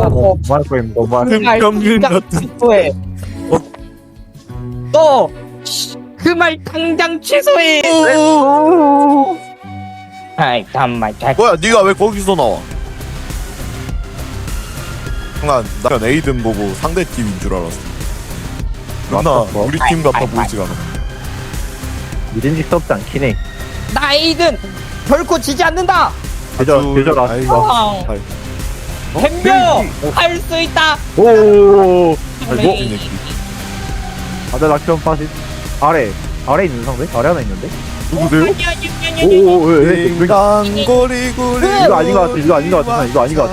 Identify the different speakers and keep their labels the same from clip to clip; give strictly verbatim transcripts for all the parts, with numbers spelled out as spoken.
Speaker 1: 하라고.
Speaker 2: 뭐할 거야 너무
Speaker 1: 그 말
Speaker 3: 평균
Speaker 1: 당장
Speaker 3: 같은.
Speaker 1: 취소해. 너 그 말 당장 취소해. 아이 잠만 잘.
Speaker 3: 뭐야 네가 왜 거기서 나와? 순간 난 에이든 보고 상대 팀인 줄 알았어. 나
Speaker 2: 맞았어.
Speaker 3: 우리 팀 같아
Speaker 1: 아이,
Speaker 3: 보이지가 않아.
Speaker 2: 믿음직스럽지 않긴 해.
Speaker 1: 나 에이든 결코 지지 않는다.
Speaker 2: 계절
Speaker 3: 아주-
Speaker 2: 계절
Speaker 3: 아이고.
Speaker 2: 왔어.
Speaker 3: 잘.
Speaker 1: 덤벼 할 수 있다.
Speaker 2: 오.
Speaker 3: 아이고 이 새끼.
Speaker 2: 아들 낙점 빠지. 아래 아래 있는 상대? 아래 하나 있는데?
Speaker 3: 누구세요?
Speaker 2: 오오오 왜?
Speaker 3: 땡강거리구리.
Speaker 2: 이거 아닌 것 같아, 이거 아닌 것 같아, 이거 아닌 것 같아.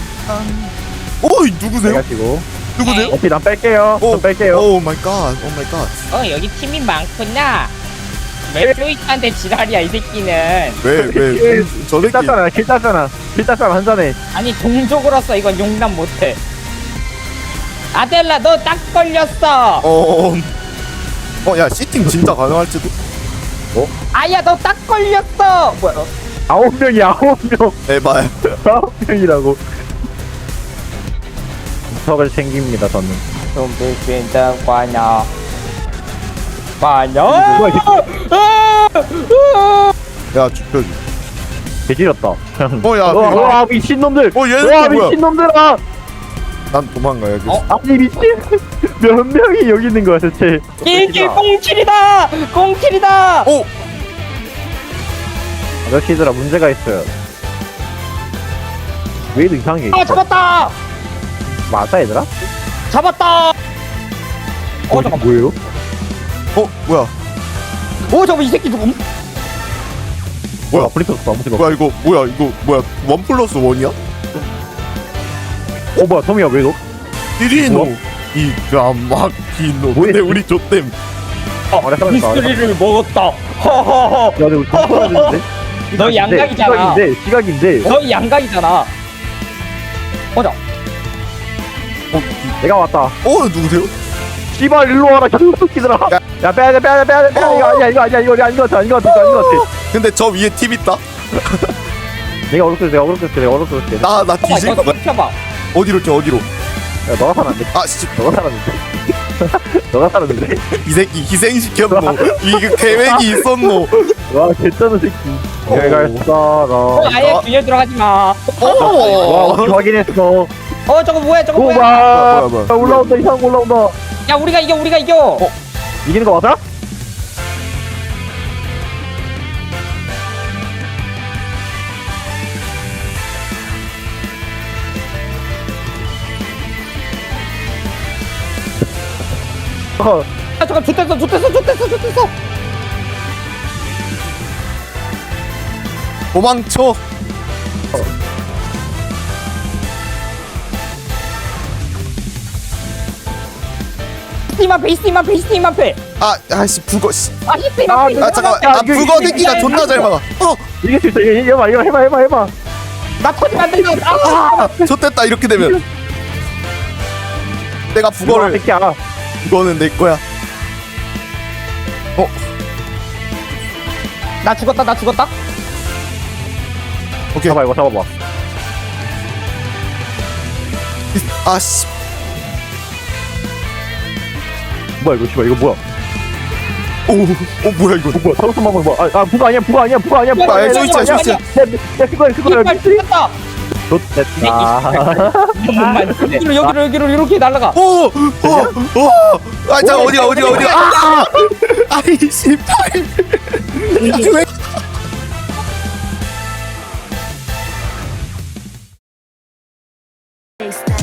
Speaker 3: 오이 누구세요?
Speaker 2: 내가 치고.
Speaker 3: 누구세요?
Speaker 2: 오케이 난 뺄게요.
Speaker 3: 오,
Speaker 2: 난 뺄게요.
Speaker 3: 오 마이 갓, 오 마이 갓.
Speaker 1: 어 여기 팀이 많구나. 왜 플로이트한테 지랄이야 이 새끼는.
Speaker 3: 왜왜저
Speaker 2: 킬
Speaker 3: 새끼.
Speaker 2: 땄잖아, 킬 땄잖아, 킬 땄잖아 한 잔에.
Speaker 1: 아니 동족으로서 이건 용납 못해. 아델라 너 딱 걸렸어.
Speaker 3: 어. 어, 야, 시팅 진짜 가능할지도?
Speaker 1: 아야 너 딱 걸렸어. 뭐야? 너?
Speaker 2: 아홉 명이 아홉 명,
Speaker 3: 에바야.
Speaker 2: 아홉 명이라고. 턱을 챙깁니다 저는.
Speaker 1: 좀 비빈다 과녀. 과녀.
Speaker 2: 뭐야, 이
Speaker 3: 야, 죽여줘.
Speaker 2: 개지렸다.
Speaker 3: 어, 야,
Speaker 2: 와,
Speaker 3: 이거-
Speaker 2: 와 미친 놈들.
Speaker 3: 어, 얘는
Speaker 2: 와
Speaker 3: 또 뭐야?
Speaker 2: 미친 놈들아.
Speaker 3: 난 도망가야겠어.
Speaker 1: 어?
Speaker 2: 아니 미친. 몇 명이 여기 있는 거야 대체?
Speaker 1: 일길 공칠이다. 공칠이다.
Speaker 3: 오!
Speaker 2: 아저씨들아 문제가 있어요. 왜 이렇게 이상해?
Speaker 1: 아 잡았다.
Speaker 2: 맞아 얘들아?
Speaker 1: 잡았다. 어
Speaker 2: 어
Speaker 1: 잠깐.
Speaker 2: 뭐예요?
Speaker 3: 어, 뭐야?
Speaker 1: 오 잠깐 이 새끼 누구?
Speaker 3: 뭐야?
Speaker 2: 아프리카 없어 아무튼 없어.
Speaker 3: 뭐야, 이거, 뭐야, 이거, 뭐야? 원 플러스 원이야?
Speaker 2: 어 뭐야 tom이야 왜 너?
Speaker 3: 띠리노.
Speaker 2: 뭐?
Speaker 3: 이 까마귀노.
Speaker 2: 뭐야?
Speaker 3: 근데 우리 좆댐.
Speaker 2: 아 그래 살았다.
Speaker 1: 미스리를 먹었다. 허허허.
Speaker 2: 야 근데 우리 tom야 되는데?
Speaker 1: 너 양각이잖아.
Speaker 2: 시각인데 시각인데.
Speaker 1: 너 양각이잖아. 어자.
Speaker 2: 내가 왔다.
Speaker 3: 어, 누구세요?
Speaker 2: 씨발 일로 와라 개새끼들아.
Speaker 3: 야.
Speaker 2: 야 빼야 돼 빼야 돼 빼야 돼 빼야 돼. 이거 아니야 이거 아니야 이거 아닌 것 같아 아닌 것 같아 아닌 것 같아.
Speaker 3: 근데 저 위에 팀 있다?
Speaker 2: 내가 어렵게 내가 어렵게 내가 어렵게.
Speaker 3: 나, 나 뒤질
Speaker 1: 이거
Speaker 3: 거야.
Speaker 1: 펴봐.
Speaker 3: 어디로 껴, 어디로?
Speaker 2: 야 너가 살았는데.
Speaker 3: 아, 씨.
Speaker 2: 너가 살았는데. 너가 살았는데.
Speaker 3: 이 새끼 희생시켰노. 이게 계획이 있었노.
Speaker 2: 와 개쩌는 새끼.
Speaker 3: 어.
Speaker 2: 내가
Speaker 1: 어,
Speaker 2: 살아.
Speaker 1: 아예 균열 들어가지 마.
Speaker 2: 와
Speaker 3: 어.
Speaker 2: 우리 확인했어.
Speaker 1: 어 저거 뭐야 저거 뭐야?
Speaker 2: 오마.
Speaker 3: 뭐야, 뭐야.
Speaker 2: 야, 올라온다 이상 올라온다.
Speaker 1: 야 우리가 이겨 우리가 이겨.
Speaker 3: 어.
Speaker 2: 이기는 거 맞아? 어,
Speaker 1: 아 잠깐 좋댔어 좋댔어 좋댔어 좋댔어.
Speaker 3: 도망쳐.
Speaker 1: 스팀 앞에 스팀 앞에 스팀 앞에.
Speaker 3: 아, 아씨, 북어, 씨.
Speaker 1: 아 스팀
Speaker 2: 아,
Speaker 1: 앞에.
Speaker 3: 아, 잠깐만.
Speaker 2: 야,
Speaker 3: 아,
Speaker 2: 이거-
Speaker 3: 북어
Speaker 2: 이거-
Speaker 3: 새끼가
Speaker 1: 이거-
Speaker 3: 존나 잘 막아. 어,
Speaker 2: 이길 수 있어. 이거 해봐 이거 해봐 해봐 해봐.
Speaker 1: 나 터지면 안 된다. 아!
Speaker 3: 좋됐다, 이렇게 되면. 내가
Speaker 2: 이거
Speaker 3: 북어를,
Speaker 2: 새끼야.
Speaker 3: 이거는 내 거야.
Speaker 1: 나 죽었다 나 죽었다.
Speaker 3: 오케이.
Speaker 2: 잡아 이거 잡아봐.
Speaker 3: 아, 씨.
Speaker 2: 뭐야 이거 씨발 이거 뭐야?
Speaker 3: 오, 어, 뭐야, 이거.
Speaker 2: 어, 뭐야 사우스 마블 뭐야? 아, 아 부가 아니야 부가 아니야 부가 아니야 부가
Speaker 3: 아,
Speaker 2: 아니야.
Speaker 3: 쇼이치야, 쇼이치야.
Speaker 2: 야 그거야 그거야.
Speaker 1: 이빨 죽었다.
Speaker 2: 좋됐다.
Speaker 1: 몸만 여기로 여기로 여기로 이렇게 날아가.
Speaker 3: 오, 오, 오. 아, 자, 어디가, 어디가, 어디가. 아! 아이, 씨발. 왜
Speaker 4: Stop.